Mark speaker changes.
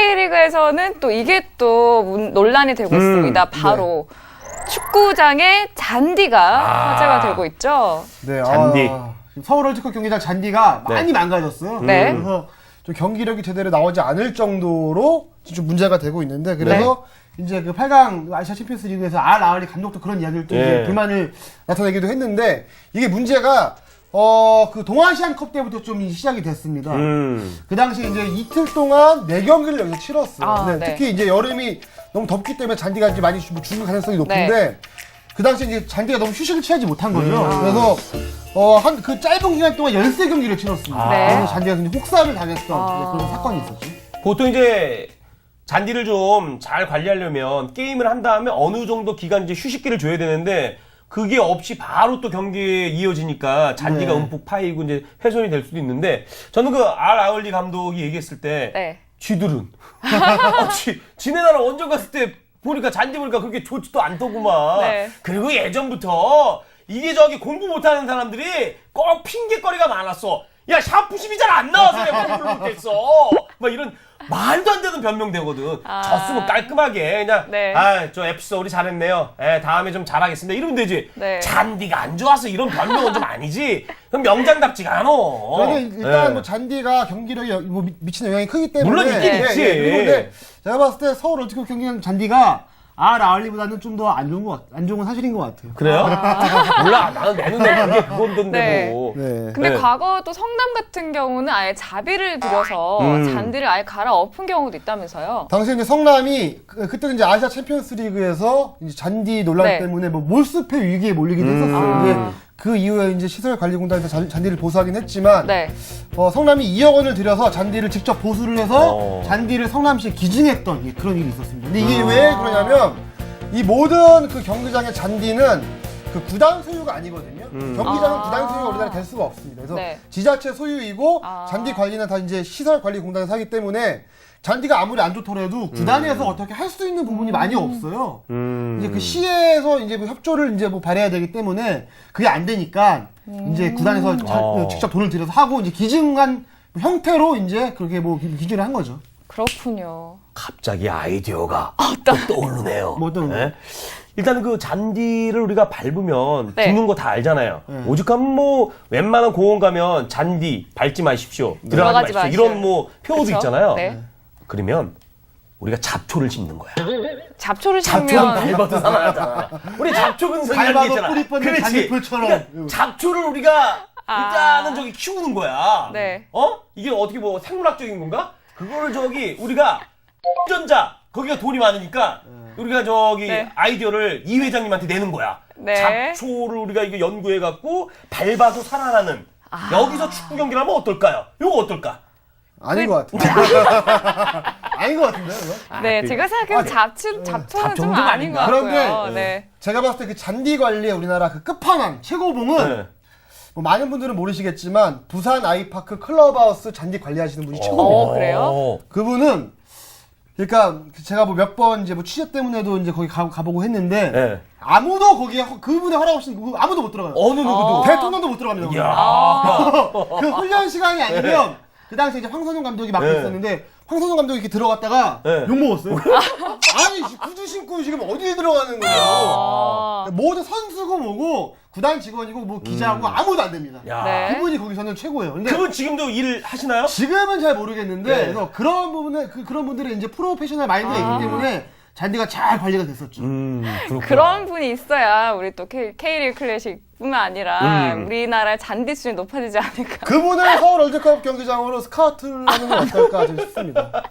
Speaker 1: K리그에서는 또 이게 또 논란이 되고 있습니다. 바로 축구장의 잔디가 화제가 되고 있죠.
Speaker 2: 네,
Speaker 3: 잔디.
Speaker 2: 서울 월드컵 경기장 잔디가
Speaker 3: 네.
Speaker 2: 많이 망가졌어요.
Speaker 1: 네.
Speaker 2: 그래서 좀 경기력이 제대로 나오지 않을 정도로 좀 문제가 되고 있는데, 그래서 이제 그 8강 아시아 챔피언스 리그에서 알 아흘리 감독도 그런 이야기를 또 이제 불만을 나타내기도 했는데, 이게 문제가 그 동아시안컵 때부터 좀 시작이 됐습니다. 그 당시 이제 이틀 동안 4경기를 여기서 치렀어요. 특히 이제 여름이 너무 덥기 때문에 잔디가 이제 많이 죽을 가능성이 높은데, 그 당시 이제 잔디가 너무 휴식을 취하지 못한 거죠. 그래서 한 그 짧은 기간 동안 13경기를 치렀습니다. 그래서 잔디가 굉장히 혹사를 당했던 그런 사건이 있었죠.
Speaker 3: 보통 이제 잔디를 좀 잘 관리하려면 게임을 한 다음에 어느 정도 기간 이제 휴식기를 줘야 되는데, 그게 없이 바로 또 경기에 이어지니까 잔디가 움푹 파이고 이제 훼손이 될 수도 있는데, 저는 그 알 아흘리 감독이 얘기했을 때 쥐들은 지네 나라 원정 갔을 때 보니까 잔디 보니까 그렇게 좋지도 않더구만. 그리고 예전부터 이게 저기 공부 못하는 사람들이 꼭 핑계거리가 많았어. 야, 샤프심이 잘 안 나와서 내가 공부를 못했어. 막 이런 말도 안 되는 변명되거든. 졌으면 깔끔하게 그냥 저 FC 우리 잘했네요. 다음에 좀 잘하겠습니다. 이러면 되지. 잔디가 안 좋아서 이런 변명은 좀 아니지. 그럼 명장답지가 않아.
Speaker 2: 저는 일단 뭐 잔디가 경기력에 뭐 미치는 영향이 크기 때문에
Speaker 3: 물론 있긴 있지.
Speaker 2: 근데 제가 봤을 때 서울 월드컵 경기장 잔디가 알 아흘리보다는 좀 더 안 좋은 건 사실인 것 같아요.
Speaker 3: 그래요? 몰라. 나는 내 눈에 그게 그건데 뭐.
Speaker 1: 근데 과거 또 성남 같은 경우는 아예 자비를 들여서 잔디를 아예 갈아엎은 경우도 있다면서요.
Speaker 2: 당시에 이제 성남이 그때는 이제 아시아 챔피언스 리그에서 이제 잔디 논란 때문에 뭐 몰수패 위기에 몰리기도 했었어요. 이제 그 이후에 이제 시설관리공단에서 잔디를 보수하긴 했지만 성남이 2억 원을 들여서 잔디를 직접 보수를 해서 잔디를 성남시에 기증했던 그런 일이 있었습니다. 근데 이게 왜 그러냐면 이 모든 그 경기장의 잔디는 그 구단 소유가 아니거든요. 경기장은 구단 소유가 우리나라에 될 수가 없습니다. 그래서 지자체 소유이고 잔디 관리는 다 이제 시설관리공단에서 하기 때문에 잔디가 아무리 안 좋더라도 구단에서 어떻게 할 수 있는 부분이 많이 없어요. 이제 그 시에서 이제 뭐 협조를 이제 뭐 발해야 되기 때문에 그게 안 되니까 이제 구단에서 직접 돈을 들여서 하고 이제 기증한 형태로 이제 그렇게 뭐 기증을 한 거죠.
Speaker 1: 그렇군요.
Speaker 3: 갑자기 아이디어가 떠오르네요.
Speaker 2: 뭐 어떤 거?
Speaker 3: 일단 그 잔디를 우리가 밟으면 죽는 거 다 알잖아요. 오죽하면 뭐 웬만한 공원 가면 잔디 밟지 마십시오. 들어가지 마십시오. 이런 뭐 표어도 있잖아요. 그러면 우리가 잡초를 심는 거야.
Speaker 1: 잡초를 심으면
Speaker 3: 잡초는 밟아도 살아나잖아. 우리 잡초 근성이라는 게 있잖아.
Speaker 2: 뿌리 뻗는 잔디풀처럼.
Speaker 3: 그러니까 잡초를 우리가 일단은 저기 키우는 거야. 이게 어떻게 뭐 생물학적인 건가? 그거를 저기 우리가 전자 거기가 돈이 많으니까 우리가 저기 아이디어를 이 회장님한테 내는 거야. 잡초를 우리가 이거 연구해 갖고 밟아도 살아나는 여기서 축구 경기를 하면 어떨까요? 이거 어떨까?
Speaker 2: 아닌 것 같은데. 아닌 것 같은데요, 이거?
Speaker 1: 제가 생각해도 잡초는 좀 아닌 것 같고요.
Speaker 2: 그런데 제가 봤을 때 그 잔디 관리의 우리나라 그 끝판왕 최고봉은 뭐 많은 분들은 모르시겠지만 부산 아이파크 클럽하우스 잔디 관리하시는 분이 최고봉이에요.
Speaker 1: 그래요?
Speaker 2: 그분은 그러니까 제가 뭐 몇 번 이제 뭐 취재 때문에도 이제 거기 가보고 했는데 아무도 거기에 그분의 허락 없이 아무도 못 들어가요.
Speaker 3: 어느 누구도
Speaker 2: 대통령도 못 들어갑니다. 그 훈련 시간이 아니면 그 당시에 이제 황선홍 감독이 맡고 있었는데 황선홍 감독이 이렇게 들어갔다가 욕먹었어요. 아니 구두 신고 지금 어디에 들어가는 거예요? 모든 선수고 뭐고 구단 직원이고 뭐 기자고 아무도 안 됩니다. 그분이 거기서는 최고예요. 근데
Speaker 3: 그분 지금도 일 하시나요?
Speaker 2: 지금은 잘 모르겠는데 그래서 그런 부분에 그런 분들의 이제 프로페셔널 마인드가 있기 때문에 잔디가 잘 관리가 됐었죠.
Speaker 1: 그런 분이 있어야 우리 또 K리그 클래식뿐만 아니라 우리나라의 잔디 수준이 높아지지 않을까.
Speaker 2: 그분을 서울 월드컵 경기장으로 스카우트를 하는 건 어떨까 싶습니다.